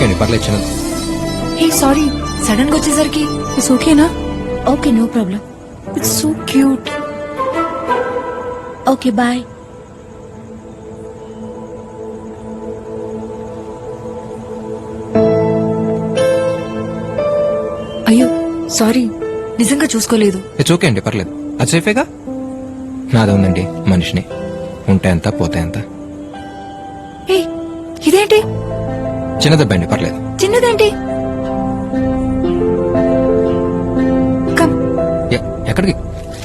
అండి, పర్లేదు చిన్నది. హే సారీ, సడన్ గా వచ్చేసరికి ఇట్స్ ఓకేనా? Okay, no problem. It's so cute. Okay, bye. అయ్యో సారీ, నిజంగా చూసుకోలేదు. ఇట్స్ ఓకే అండి, పర్లేదు. అది సేఫేగా. నాదే ఉందండి మనిషిని, ఉంటే ఎంత పోతే ఎంత. హే, ఇదేంటి? చిన్న దెబ్బ అండి, పర్లేదు. చిన్నదేంటి? కమ్. ఎక్కడికి?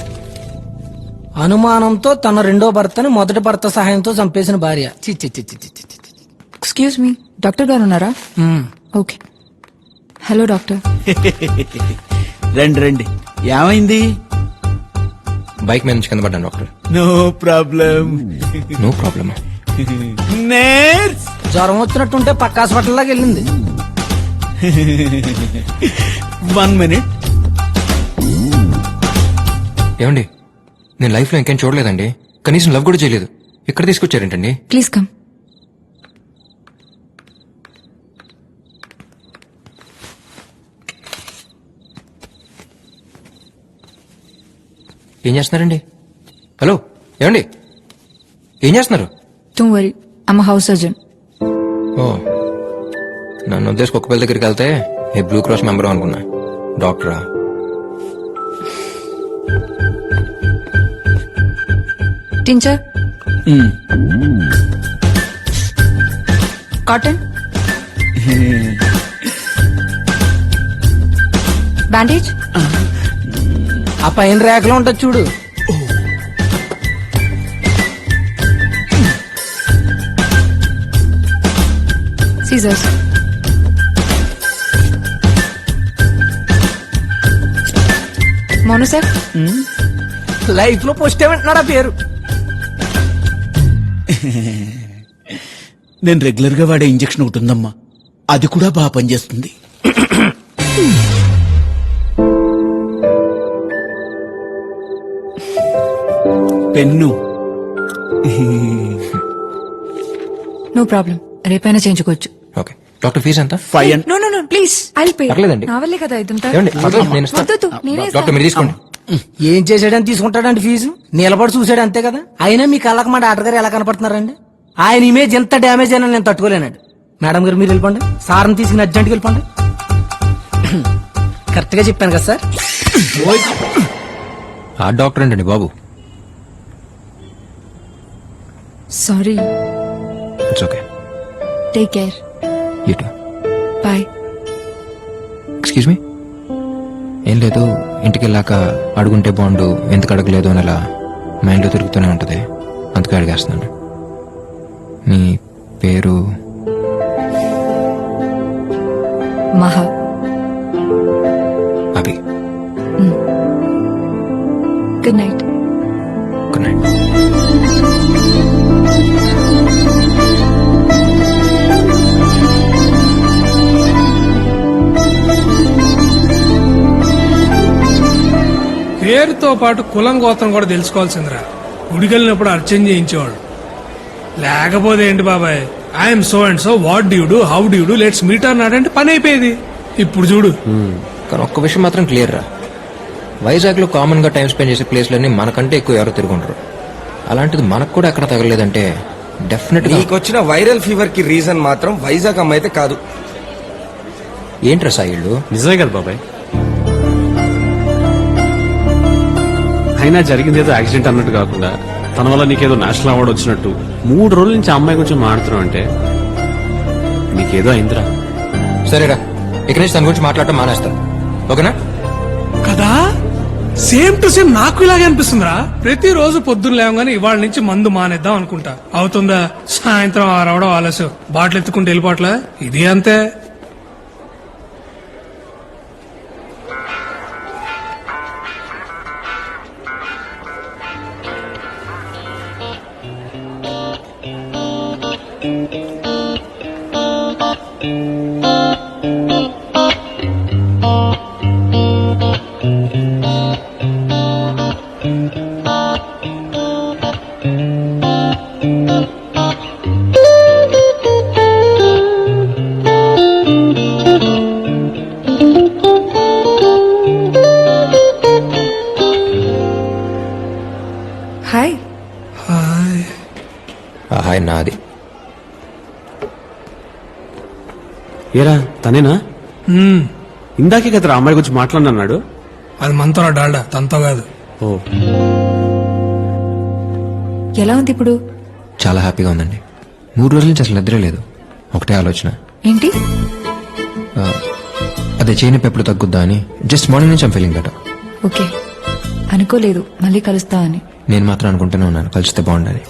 అనుమానంతో తన రెండో భర్తని మొదటి భర్త సహాయంతో చంపేసిన భార్య. చి చి చి చి చి చి చి. ఎక్స్క్యూజ్ మీ, డాక్టర్ గారు ఉన్నారా? ఓకే. Hello doctor. రండి రండి, ఏమైంది? బైక్ మీద నుంచి కింద పడ్డాను doctor. No problem. No problem. నేర్స్ జ్వరం వచ్చినట్టుంటే పక్క హాస్పిటల్ లాగా వెళ్ళింది. 1 minute. ఏమండి, నేను లైఫ్ లో ఇంకేం చూడలేదండి, కనీసం లవ్ కూడా చేయలేదు. ఇక్కడ తీసుకొచ్చారేంటండి? Please come. ఏం చేస్తున్నారండి? హలో, ఏమండి ఏం చేస్తున్నారు? Don't worry, I'm house surgeon. ఓ, నన్ను ఉద్దేశం కుక్క పిల్ల దగ్గరికి వెళ్తే ఏ బ్లూ క్రాస్ మెంబర్ అనుకున్నా. డాక్టరా? Tincture, cotton, bandage. ఆ పైన రేఖలో ఉంటుంది చూడు. సీజర్స్. మోనోసెఫ్. లైఫ్ లో పోస్ట్ ఏమంటున్నాడు ఆ పేరు? నేను రెగ్యులర్ గా వాడే ఇంజెక్షన్ ఒకటి ఉందమ్మా, అది కూడా బాగా పనిచేస్తుంది. పెన్ను. నో ప్రాబ్లం, రేపైనా చేయించుకోవచ్చు. ఓకే డాక్టర్, ఫీజు ఎంత? 5 no no no please, I'll pay. పర్లేదండి. నా వల్లే కదా ఇదంతా. ఏమండి, పర్లేదు, నేను ఇస్తాను. వద్దొద్దు, నేనే డాక్టర్ మీరు తీసుకోండి. ఏం చేసాడని తీసుకుంటాడండి ఫీజు? నిలబడి చూసాడు అంతే కదా. అయినా మీ కళ్ళకి మా డాక్టర్ గారు ఎలా కనపడుతున్నారండి? ఆయన ఇమేజ్ ఎంత డ్యామేజ్ అయినా నేను తట్టుకోలేనాడు. మేడం గారు మీరు వెళ్ళిపోండి, సార్ని తీసుకుని అర్జెంట్కి వెళ్ళిపోండి. కరెక్ట్ గా చెప్పాను కదా సార్? ఆ డాక్టర్ అండి బాబు. Sorry. It's okay. Take care. You too. Bye. Excuse me. ఏం లేదు, ఇంటికి వెళ్ళాక అడుగుంటే బాగుండు, ఎందుకు అడగలేదు అని అలా మైండ్లో తిరుగుతూనే ఉంటుంది, అందుకే అడిగేస్తున్నాను. మీ పేరు? Maha. Abhi. Good night. Good night. పేరుతో పాటు కులం గోత్రం కూడా తెలుసుకోవాల్సిందిరా. గుడికెళ్ళినప్పుడు అర్చన చేయించేవాడు. లేకపోతే ఏంటి బాబాయ్, I'm so and so, what d'you do, how d'you do, let's meet అన్నాడంటే పని అయిపోయేది. ఇప్పుడు చూడు. కానీ ఒక్క విషయం మాత్రం క్లియర్ రా, వైజాగ్ లో కామన్ గా టైం స్పెండ్ చేసే ప్లేస్లన్నీ మనకంటే ఎక్కువ ఎవరు తిరుగుంటారు. అలాంటిది మనకు కూడా ఎక్కడ తగలేదంటే డెఫినెట్ గా. నీకొచ్చిన వైరల్ ఫీవర్ కి రీజన్ మాత్రం వైజాగ్ అమ్మ అయితే కాదు. ఏంట్రా సాయిళ్ళు? నిజమే కదా బాబాయ్. అయినా జరిగింది ఏదో యాక్సిడెంట్ అన్నట్టు కాకుండా తన వల్ల నీకేదో నేషనల్ అవార్డు వచ్చినట్టు 3 రోజుల నుంచి అమ్మాయి గురించి మాట్లాడుతున్నావు అంటే నీకేదో అయిందిరా. సరేరా, ఇక్కడి నుంచి తన గురించి మాట్లాడటం మానేస్తా, ఓకేనా? కదా, సేమ్ టు సేమ్ నాకు ఇలాగే అనిపిస్తుందిరా. ప్రతిరోజు పొద్దున్న లేవగానే ఇవాళ నుంచి మందు మానేద్దాం అనుకుంటా. అవుతుందా? సాయంత్రం 6 అవడం ఆలస్యం, బాటిల్ ఎత్తుకుంటే వెళ్ళిపోవట్లే. ఇది అంతే. హాయ్ నాది. ఏరా తనేనా? ఇందాకే కదా అమ్మాయి గురించి మాట్లాడినాడు. అది మనతో డాల్డా, తనతో కాదు. ఓ, ఎలా ఉంది ఇప్పుడు? చాలా హ్యాపీగా ఉందండి. 3 రోజుల నుంచి అసలు నిద్రే లేదు. ఒకటే ఆలోచన, ఏంటి? అదే చేయని ఎప్పుడు తగ్గుద్దా అని. జస్ట్ మార్నింగ్ నుంచి ఐమ్ ఫీలింగ్ బెటర్. ఓకే, అనుకోలేదు మళ్ళీ కలుస్తా అని. నేను మాత్రం అనుకుంటూనే ఉన్నాను కలిస్తే బాగుండాలి.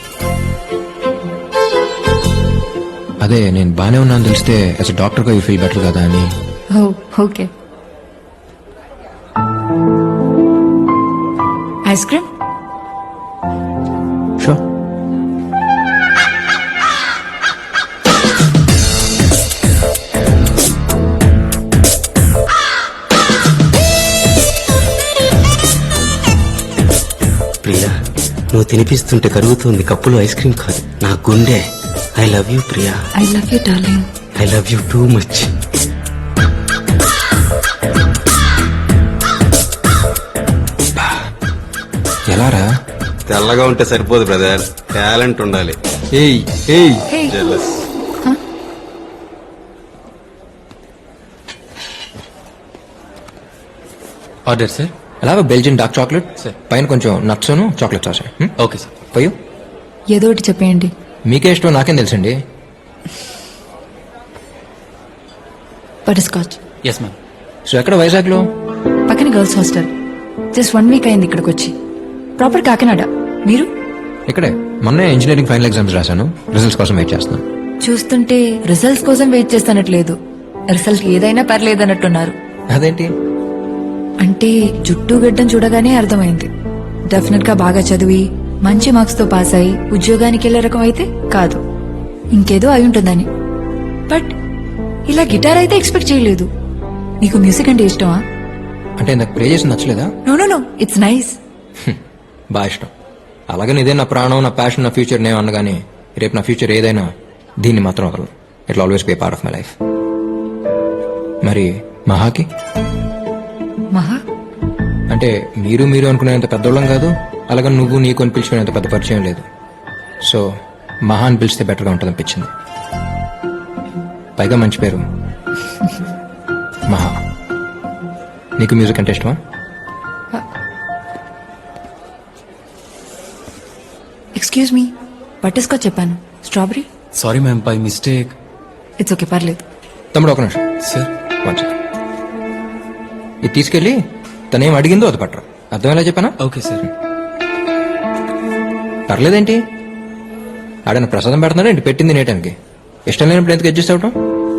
అదే నేను బానే ఉన్నాను తెలిస్తే యాజ్ అ డాక్టర్గా యూ ఫీల్ బెటర్ కదా అని. Oh okay. Ice cream? Sure. Priya, నువ్వు తినిపిస్తుంటే కరుగుతుంది కప్పులో ఐస్ క్రీమ్ కాదు, నా గుండె. I love you Priya. I love you darling. I love you too much. ఎలారా? తెల్లగా ఉంటే సరిపోదు బ్రదర్, టాలెంట్ ఉండాలి. ఏయ్ ఏయ్ హే, జెలస్. Order sir. అలా బెల్జియన్ డార్క్ చాక్లెట్ పైన కొంచెం nuts chocolate sauce. Okay sir. పోయు ఏదో ఒకటి చెప్పేయండి. మీకే ఇష్టం నాకేం తెలుసండి. Butterscotch. Yes ma'am. So ఎక్కడ వైజాగ్లో? పక్కన గర్ల్స్ హాస్టల్. జస్ట్ 1 వీక్ అయింది ఇక్కడికి వచ్చి. ప్రాపర్ కాకినాడ. మీరు? ఇక్కడే మొన్నే ఇంజనీరింగ్ ఫైనల్ ఎగ్జామ్స్ రాశాను. రిజల్ట్స్ కోసం వెయిట్ చేస్తున్నాను. చూస్తుంటే రిజల్ట్స్ కోసం వెయిట్ చేస్తున్నట్లేదు. రిజల్ట్ ఏదైనా పర్లేదన్నట్టున్నారు. అదేంటి? అంటే జుట్టు గడ్డం చూడగానే అర్థమైంది. డెఫినెట్ గా బాగా చదివి మంచి మార్క్స్ తో పాస్ అయి ఉద్యోగానికి వెళ్లే రకం అయితే కాదు, ఇంకేదో అయి ఉంటుందని. బట్ ఇలా గిటార్ అయితే ఎక్స్పెక్ట్ చేయలేదు. నీకు మ్యూజిక్ అంటే ఇష్టమా? అంటే నాకు ప్రే చేసి నచ్చలేదా? No no no, it's nice. బాగా ఇష్టం. అలాగే ఇదే నా ప్రాణం, నా ప్యాషన్, నా ఫ్యూచర్ నేను అనగానే రేపు నా ఫ్యూచర్ ఏదైనా దీన్ని మాత్రం వదలను. It always be part of my life. మరి మహాకి? మహా? అంటే మీరు మీరు అనుకునేంత పెద్దోళ్ళం కాదు, అలాగే నువ్వు నీకు అని పిలుచుకునేంత పెద్ద పరిచయం లేదు. సో మహా అని పిలిస్తే బెటర్గా ఉంటుంది అనిపించింది. పైగా మంచి పేరు మహా. నీకు మ్యూజిక్ అంటే ఇష్టమా? ఎక్స్క్యూజ్ మీ, బటర్ స్కాచ్ చెప్పాను. Strawberry? Sorry ma'am, by mistake. It's okay, పర్లేదు. తమ్ముడు ఒక నిమిషం. సార్. One second. ఇది తీసుకెళ్ళి తనేం అడిగిందో అది పట్టరా. అర్థమేలా చెప్పానా? Okay sir. పర్లేదేంటి? ఆడన ప్రసాదం పెడుతున్నాడు ఏంటి పెట్టింది నేటానికి? ఇష్టం లేనప్పుడు ఎందుకు అడ్జస్ట్ అవటం?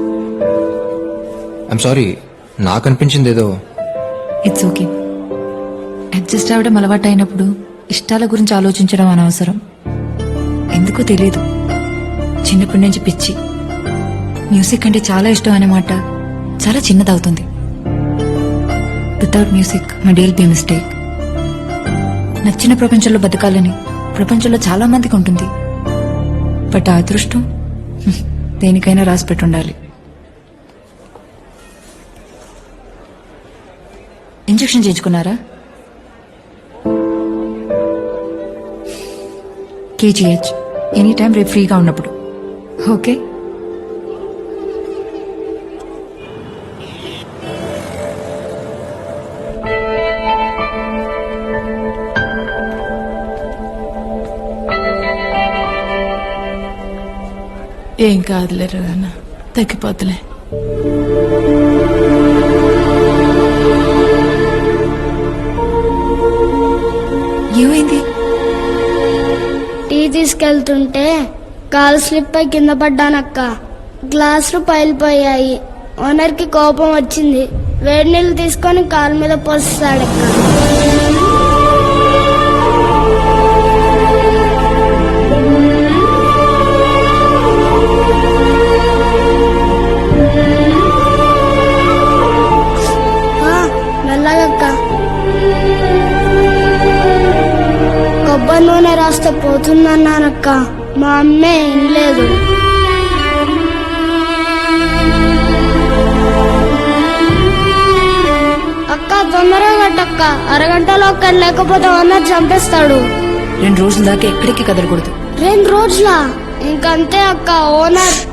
ఐఎమ్ సారీ, నాకు అనిపించింది ఏదో. It's okay. అడ్జస్ట్ అవ్వడం అలవాటు అయినప్పుడు ఇష్టాల గురించి ఆలోచించడం అనవసరం. ఎందుకో తెలీదు, చిన్నప్పటి నుంచి పిచ్చి. మ్యూజిక్ అంటే చాలా ఇష్టం అనే మాట చాలా చిన్నదవుతుంది. Without music my day will be mistake. నచ్చిన ప్రపంచంలో బతకాలని ప్రపంచంలో చాలా మందికి ఉంటుంది. బట్ ఆ అదృష్టం దేనికైనా రాసి పెట్టుండాలి. ఇంజెక్షన్ చేయించుకున్నారా? కేజీహెచ్ ఎనీ టైం రేపు ఫ్రీగా ఉన్నప్పుడు. ఓకే. ఏం కాదులేరు అన్న, తగ్గిపోతులే. ఏమైంది? టీ తీసుకెళ్తుంటే కాలు స్లిప్ అయి కింద పడ్డానక్క. గ్లాసులు పైలిపోయాయి. ఓనర్ కి కోపం వచ్చింది. వేడి నీళ్ళు తీసుకొని కాలు మీద పోస్తాడక్క. మెల్లగక్క. కొబ్బరి నూనె రాస్తే పోతుందన్నానక్క. మా అమ్మే వినలేదు. అక్క తొందరగా కట్టక్క, అరగంటలో ఒక్కడు లేకపోతే ఓనర్ చంపేస్తాడు. 2 రోజుల దాకా ఎక్కడికి కదలకూడదు. 2 రోజులా? ఇంకంతే అక్క ఓనర్